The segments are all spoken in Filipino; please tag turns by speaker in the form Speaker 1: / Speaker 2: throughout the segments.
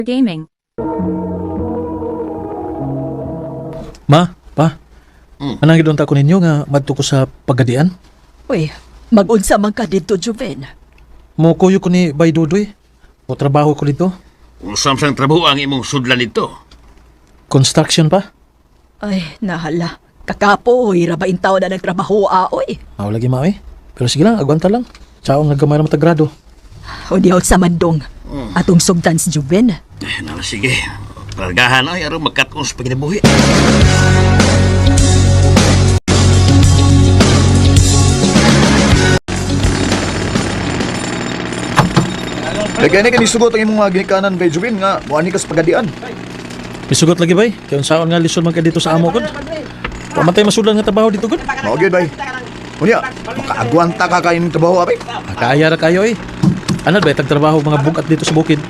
Speaker 1: Gaming.
Speaker 2: Ma, pa. Anang gidunta ko ninyo nga madto ko sa pagadian?
Speaker 3: Uy, mag-unsa man ka dito, Juven.
Speaker 2: Mo kuyo ko ni Bay Dudoy. O trabaho ko dito.
Speaker 4: Usam sang trabaho ang imong sudlan nito.
Speaker 2: Construction pa.
Speaker 3: Ay, nahala. Kakapo, uy, rabain tao na nagtrabaho, oy.
Speaker 2: Aw lagi ma eh. Pero sige lang, agwanta lang. Tsaong naggamay na matagrado.
Speaker 3: O di out sa mandong. Atong sugdan si Juven.
Speaker 4: Nala sige. Pargahan ay aron magkat-on sa paginabuhi.
Speaker 5: Lagyan ni sugot ang imong mga ginikanan kay Jubin nga muani ka sa pagadian.
Speaker 2: Isugot lagi bay. Kaya unsaon nga lisod man ka dito sa amo ko. Pamatay masulan nga trabaho dito gud.
Speaker 5: Mao gyud bay. Unya, makaagwanta ka kayo ng trabaho abi.
Speaker 2: Kaya ra kayo eh. Anad ba tagtrabaho mga bugat dito sa bukid?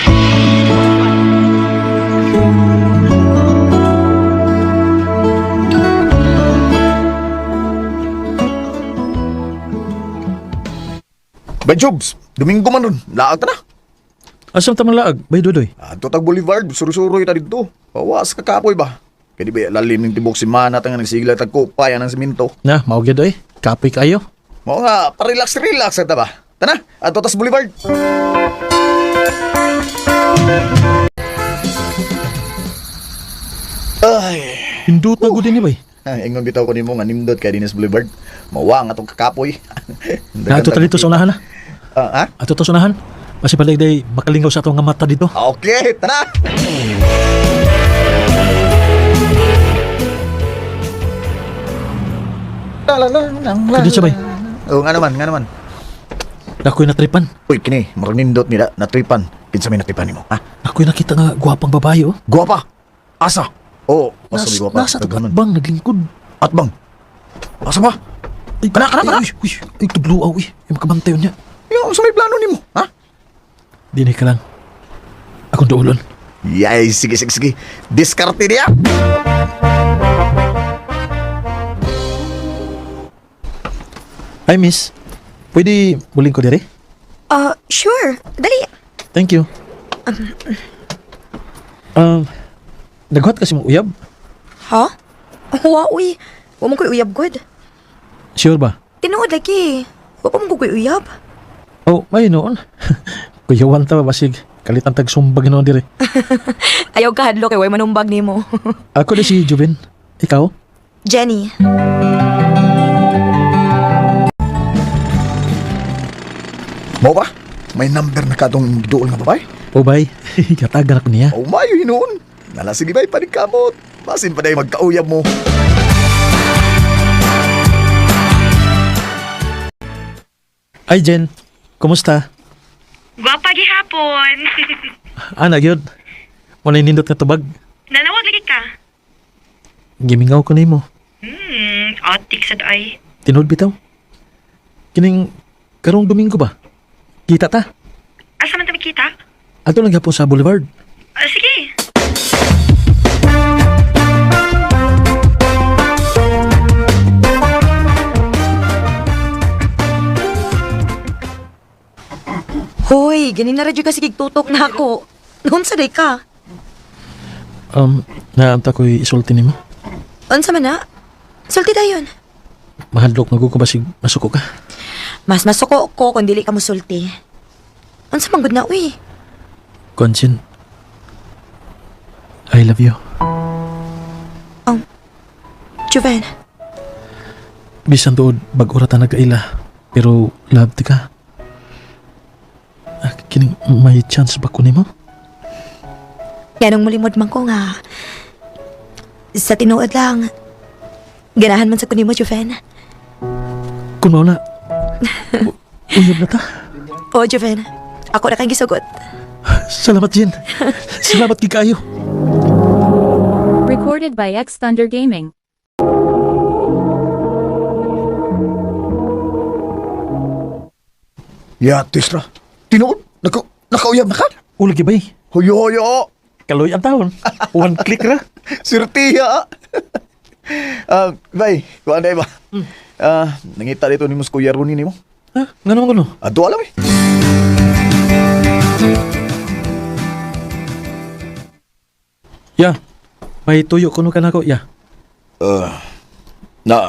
Speaker 5: Bay Jobs, Domingo man nun, laag ta na.
Speaker 2: Asam ta man laag, Bay Dudoy.
Speaker 5: Ato tag Boulevard, suru-suroy ta dito. Pawas ka kapoy ba? Kaya di ba lalim ng tibok si Mana nga nagsigla tag kupay ng simento.
Speaker 2: Na, mao gyud eh. Kapoy kayo.
Speaker 5: Mao nga, pa-relax ta ba? Tana, ato tas Boulevard. Ay,
Speaker 2: Hindot na gud ni bay.
Speaker 5: ingon bitaw ko nimo nga nimdot kay Dinas Boulevard. Mawa nga tong kakapoy.
Speaker 2: Na ato ta dito sa unahan na.
Speaker 5: Ha?
Speaker 2: Ato ta sa unahan. Kasi palay day makalingaw sa atong nga mata dito.
Speaker 5: Okay, tara!
Speaker 2: Kadi siya bay.
Speaker 5: Oo, nga naman.
Speaker 2: Nakoy natripan.
Speaker 5: Uy, kini, marang nindot nila, natripan. Kinsa may natripan nimo, ha?
Speaker 2: Nakoy nakita nga guwapang babae oh.
Speaker 5: Guwapa! Asa? Oo, asa may guwapa?
Speaker 2: Nasa
Speaker 5: Taghanon.
Speaker 2: tagatbang naglingkod.
Speaker 5: Atbang! Asa ba?
Speaker 2: Ay,
Speaker 5: Kana.
Speaker 2: Ay, tudluaw eh. Yung makabantay niya.
Speaker 5: Yung sa may plano nimo, ha?
Speaker 2: Dinay ka lang. Akong duulon.
Speaker 5: Yay, sige. Diskarte niya!
Speaker 2: Hi, miss. Pwede muling ko dire?
Speaker 6: Sure. Dali.
Speaker 2: Thank you. Naghuat kasi mong uyab?
Speaker 6: Ha? Wa, uy. Wa mo ko'y uyab, good.
Speaker 2: Sure ba?
Speaker 6: Tinuod lagi. Wa pa mo ko'y uyab.
Speaker 2: Oh, may noon. Kuyawan ta basig. Kalitan tag sumbag noon dire.
Speaker 6: Ayaw ka hadlo kay way manumbag nimo.
Speaker 2: Ako na si Juven. Ikaw?
Speaker 6: Jenny.
Speaker 5: Mo ba? May number na katong dool nga babae?
Speaker 2: O bay, katagan ako niya.
Speaker 5: Oh, mayo hinuon. Nala, sige bay, panigkamot. Basin pa day magkauyab mo.
Speaker 2: Ay, Jen. Kumusta?
Speaker 7: Gwapa gihapon.
Speaker 2: Gyud. Wala nindot nga tubag.
Speaker 7: Nanawag lagi ka.
Speaker 2: Gimingaw ko nimo.
Speaker 7: Atik sad ay.
Speaker 2: Tinood bitaw. Kining karong Domingo ba? Kita ta?
Speaker 7: Asa man ta kita?
Speaker 2: Ato lang gapon sa Boulevard.
Speaker 7: Sige.
Speaker 6: Hoy, ganin na radyo ka sige tutok na ako. Unsa day ka?
Speaker 2: Naamta ko'y isulti nimo.
Speaker 6: Unsa man na? Sulti dayon.
Speaker 2: Mahadlok na ko basig masuko ka.
Speaker 6: Mas masuko ko kung dili ka mo sulti. Unsa man gud na, uy?
Speaker 2: Konsin, I love you.
Speaker 6: Juven.
Speaker 2: Bisan tuod bag-uratan nagkaila. Pero love ti ka. Kining may chance ba ko nimo?
Speaker 6: Yanong mulimod man ko nga. Sa tinuod lang. Ganahan man sa kunimo, Juven.
Speaker 2: Kung mao na. Uyab na ta.
Speaker 6: O, Juven. Ako na kang gisugot.
Speaker 2: Salamat, Jen. Salamat kay kayo.
Speaker 1: Recorded by X Thunder Gaming.
Speaker 5: Yatis ra. Tinuod? Nakauyab na ka?
Speaker 2: Ulagi bay.
Speaker 5: Hoyo.
Speaker 2: Kaloy ang taon. One click ra.
Speaker 5: Sirtiya. Bay, kuan day ba? Nangita dito ni Mus Kuya Runi nimo.
Speaker 2: Ha? Nga naman ko no?
Speaker 5: Ato alam eh.
Speaker 2: Ya, may tuyo kuno ka na ko, ya.
Speaker 5: Na,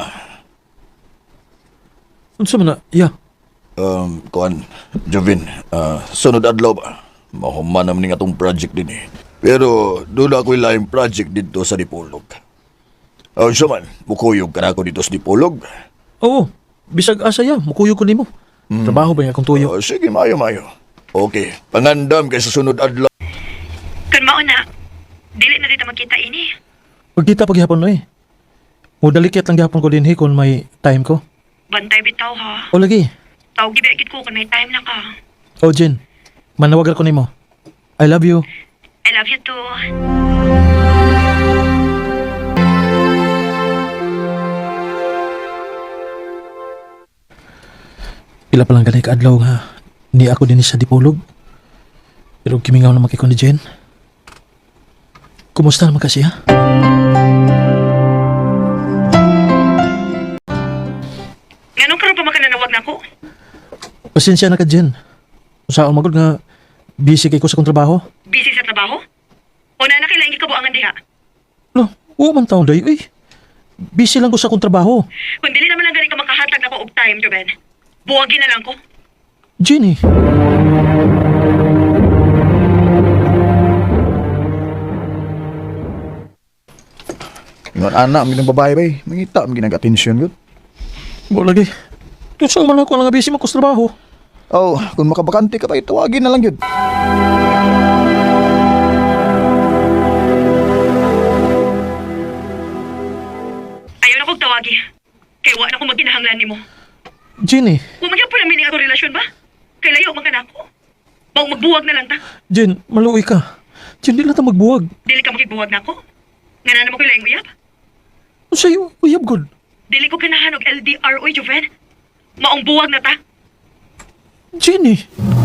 Speaker 2: Unsa man na, ya.
Speaker 5: kuan, Jovin, sunod adlaw ba? Mahuman naman nga itong project din eh. Pero doon ako ilang project dito sa Dipolog. Siya man, mukuyog ka na ako dito sa Dipolog.
Speaker 2: Oo, bisag asa ya, mukuyo ko nimo. Trabaho ba yung akong tuyo?
Speaker 5: Sige, mayo. Okay, pangandam kay sa sunod adlaw.
Speaker 7: Kun mao na, dili na dito magkita ini.
Speaker 2: Pagkita paghihapon na eh. Mudalikit lang gihapon ko din kung may time ko.
Speaker 7: Bantay bitaw ha.
Speaker 2: O lagi.
Speaker 7: Tawag gibigit ko kung may time na ka.
Speaker 2: O Jen, manawagan ko nimo. I love you.
Speaker 7: I love you too.
Speaker 2: Pila pa lang ganay kaadlaw nga. Ni ako din sa Dipolog. Pero kimingaw na makikon ni Jen. Kumusta naman kasi ha?
Speaker 7: Nganong karon pa makananawag na ko?
Speaker 2: Pasensya na ka Jen. Saan magod nga busy kay ko sa kong trabaho.
Speaker 7: Busy sa trabaho? O na nakailangan gikabuangan diha?
Speaker 2: No, oo man taon day. Uy, busy lang ko sa kong trabaho.
Speaker 7: Kung dili naman lang gani ka makahatag na ko og time, Joben. Buwagin na lang ko.
Speaker 2: Jenny.
Speaker 5: Ingon anak, ang ginang babae ba eh. Mangita, ang ginang atensyon yun.
Speaker 2: Bo lagi. Kung saan man ako lang busy mo ko sa trabaho.
Speaker 5: Oh, kung makabakante ka pa, tawagin na lang yun.
Speaker 7: Ayaw na kong tawagi. Kaya wa na ko magkinahanglan nimo.
Speaker 2: Jenny.
Speaker 7: Kung magyapon ang meaning ako relasyon ba? Kay layo man ka na ako. Bawang magbuwag na lang ta.
Speaker 2: Jen, maluoy ka. Jen, di lang ta magbuwag.
Speaker 7: Dili ka makibuwag na ako. Nga na naman ko ilang uyab.
Speaker 2: Ano sa'yo? Uyab god.
Speaker 7: Dili ko ganahan og LDR oy, Joven. Maong buwag na ta.
Speaker 2: Jenny.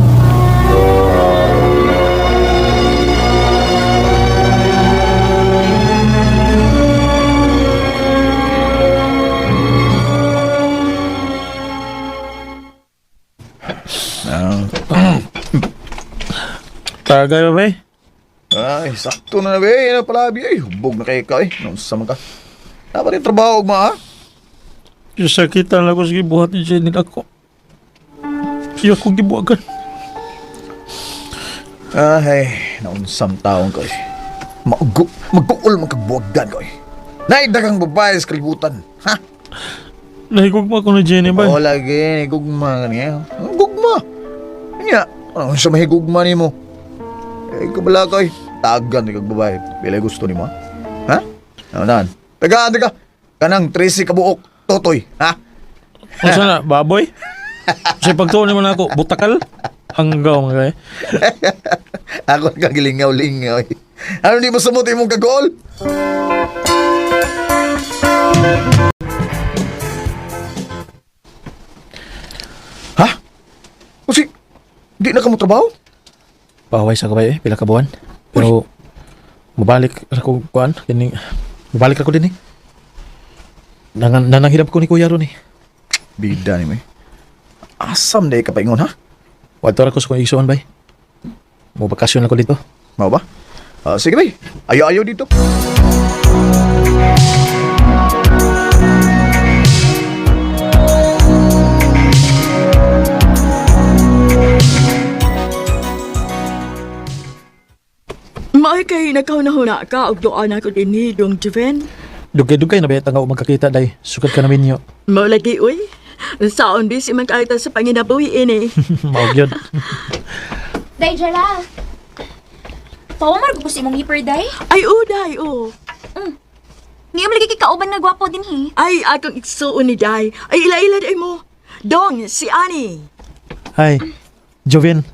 Speaker 2: Tagay ba ba?
Speaker 5: Ay, sakto na be. Yan na pala, be. Ay, hubog na kayo ka eh. Nung sama ka. Dapat yung trabaho, ma, ha?
Speaker 2: Sakitan lang ko sige buhat ni Jenny ako. Siya ko gibuagan.
Speaker 5: Ay, naunsam taong ko eh. Mag-uul magkagbuwagan ko eh. Naidagang babae sa kalibutan, ha?
Speaker 2: Nahigugma ko na Jenny ba?
Speaker 5: Oo, lagi. Gugma ka niya. Gugma. Kanya, ano sa mahigugma ni mo? Eh, kabala ko eh. Tagan ni kag babae. Bila gusto ni mo, ha? Ano na? Taga. Kanang 13 kabuok. Totoy, ha?
Speaker 2: Ano sana? Baboy? Kasi pagtuon naman ako, butakal? Hanggaw mga kaya.
Speaker 5: Ako nagagilingaw-lingaw eh. Ano di mo samuti mong kagol? Ha? Kasi, di na ka mo trabaho?
Speaker 2: Paway sa kabay pila ka buwan. Pero, mabalik ako kuan. Mabalik ako din eh. Nananghirap ko ni Kuya ron eh.
Speaker 5: Bida ni mo eh. Asam na ka paingon, ha?
Speaker 2: Wadto ra ko sa kong isuan bay. Mo bakasyon ako dito.
Speaker 5: Mau ba? Sige bay, ayaw dito.
Speaker 3: May kay nakaw-nahuna ka og doan ako din ni Dong Joven.
Speaker 2: Dugay-dugay na ba nga magkakita day. Sukat ka namin nyo.
Speaker 3: Mao lagi uy. Saon busy man kaita sa panginabuhi ini.
Speaker 2: Maog yun.
Speaker 6: Day, Jala. Pawamar ko si mong hiper, Day.
Speaker 3: Ay uday o.
Speaker 6: Ngayon lagi kay kauban nga gwapo din, hi.
Speaker 3: Ay akong igsuon ni Day. Ay ila-ila day mo. Dong, si Ani.
Speaker 2: Hi, Joven.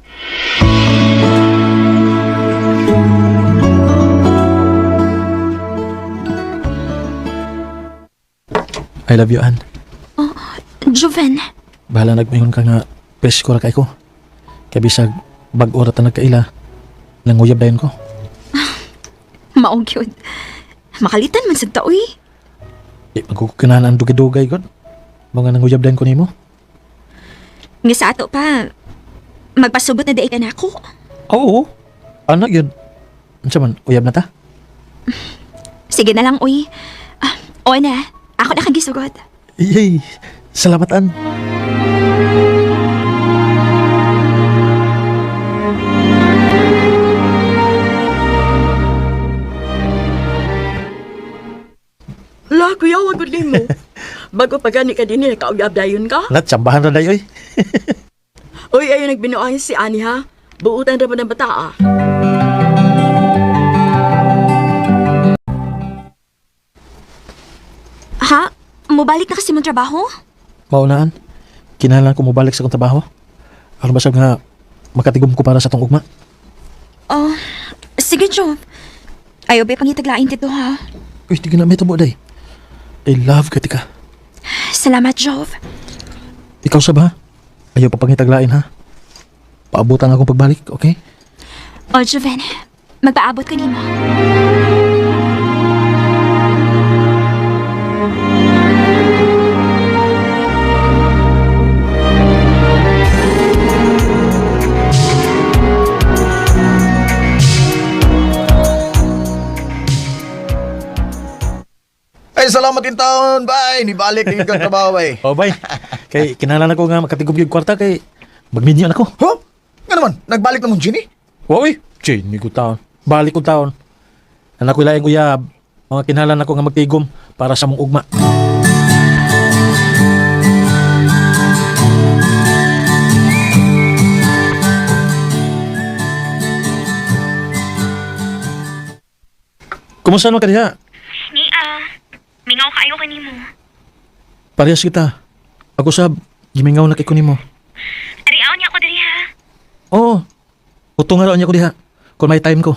Speaker 2: I love you, Ann.
Speaker 6: Joven.
Speaker 2: Bahala nagmingon ka nga presko ra kay ko. Kaya bisag bag-ora ta nagkaila. Nanguyab dayon ko.
Speaker 6: Maog yun. Makalitan man sa taoy.
Speaker 2: Magkukinahan ang dugay-dugay god. Mga nanguyab dayon ko nimo.
Speaker 6: Nga sa ato pa, magpasubot na day ka na ako.
Speaker 2: Oo. Anak yun. Ano man, uyab na ta?
Speaker 6: Sige na lang, uy. O na, ako na kang gisugod.
Speaker 2: Yay! Salamatan.
Speaker 3: La, kuya, wag gud mo. Bago pa gani ka din, kauyab dayon ka.
Speaker 2: Natsambahan na dayo eh.
Speaker 3: Uy, ayun nagbinuang si Ani ha. Buutan ra ba ng bata ah.
Speaker 6: Ha? Mubalik na kasi mong trabaho?
Speaker 2: Maunaan. Kinahanglan ko mobalik sa kong trabaho. Aron ba nga makatigom ko para sa tong ugma.
Speaker 6: Oh, sige, Jove. Ayaw ba pangitaglain dito, ha?
Speaker 2: Uy, di ka na may tabo day. I love ka tika.
Speaker 6: Salamat, Jove.
Speaker 2: Ikaw sa ba? Ayaw pa pangitaglain ha. Paabutan akong pagbalik, okay?
Speaker 6: O, Joven, magpaabot ka nimo.
Speaker 5: Ay, salamat in taon, bay. Nibalik yung kang trabaho, bay.
Speaker 2: Oh, bye. Kay kinahanglan ako nga makatigom yung kwarta kay magminyo ako.
Speaker 5: Huh? Nga naman, nagbalik na mong Ginny?
Speaker 2: Uy, Jane, ko taon. Balik ko taon. Anak ko ilaing uyab. Mga kinahanglan ako nga magtigom para sa mong ugma. Kumusta naman ka diha?
Speaker 7: Mingaw kayo kanimo.
Speaker 2: Parehas kita. Ako sab, gimingaw na kay kunin mo.
Speaker 7: Ariaw niya ako diri ha.
Speaker 2: Oo. Utong nga raw niya ko diha. Kung may time ko.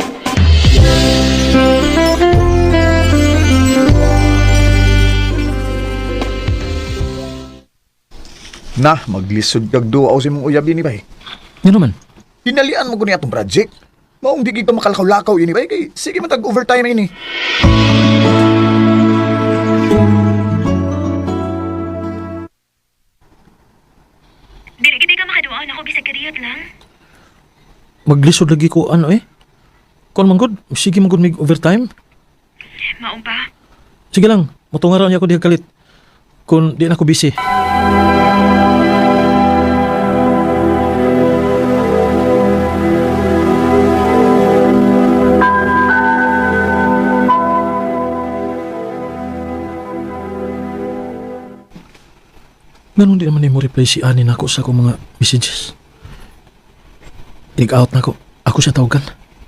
Speaker 5: Nah, maglisod kag duwa si mong uyab ini, bay.
Speaker 2: Yan naman.
Speaker 5: Hinalian mo ko niya itong project. Maong di ka makalakaw-lakaw ini, bay. Kay, sige man tag-overtime ini.
Speaker 7: Dili gid ka makaduaon ako bisag kariyot lang.
Speaker 2: Maglisod lagi ko ano eh. Kung manggod, sige manggod mig overtime.
Speaker 7: Mao ba?
Speaker 2: Sige lang, mutunga raw niya ako diha kalit. Kung di na ako busy. Ganun di naman ni mo reply si Ani na ako sa akong mga messages. Dig out na ako. Ako siya tawagan.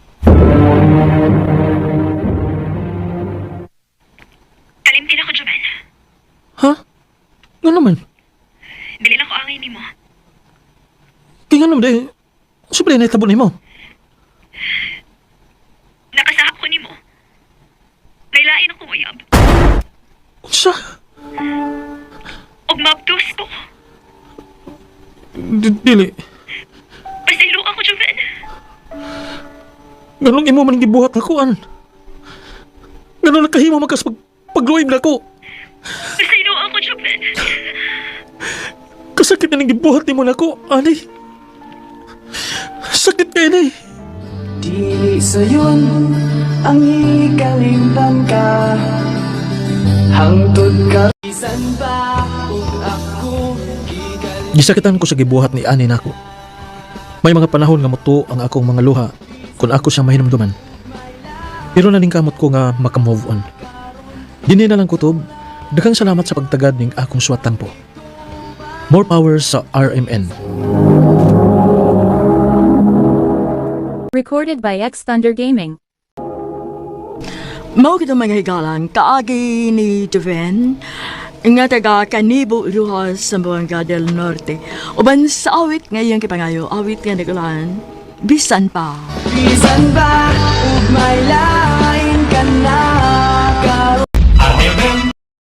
Speaker 7: Kalimtin ako, Joven.
Speaker 2: Ha? Nga naman.
Speaker 7: Dili na ko angay nimo.
Speaker 2: Kaya nga naman dahil. Siyempre na itabo ni mo.
Speaker 7: Nakasahap ko nimo. Kailain ako uyab.
Speaker 2: Sa?
Speaker 7: Og mabdos ko.
Speaker 2: Dili.
Speaker 7: Pasaylo ako, Joven.
Speaker 2: Ganun imo man gibuhat ako an. Ganun nakahimo makas pagluwib na ko.
Speaker 7: Pasaylo ako, Joven.
Speaker 2: Kasakit na nang gibuhat ni mo na ko, Ani. Sakit kayo na eh.
Speaker 8: Dili sayon ang ikalimtan ka. Hangtod ka isan pa ug ako
Speaker 2: Gisakitan ko sa gibuhat ni Ani nako. May mga panahon nga muto ang akong mga luha kung ako siya mahinumduman. Pero naning kamot ko nga makamove on. Dini na lang kutob, daghang salamat sa pagtagad ning akong suwatan po. More power sa RMN.
Speaker 1: Recorded by X Thunder Gaming.
Speaker 3: Mao kita mga higalan, kaagi ni Joven, nga taga Canibo Ruhas sa Buanga del Norte. Uban sa awit ngayong kipangayo, awit nga nagulahan, bisan pa.
Speaker 8: bisan pa ug may lain ka na.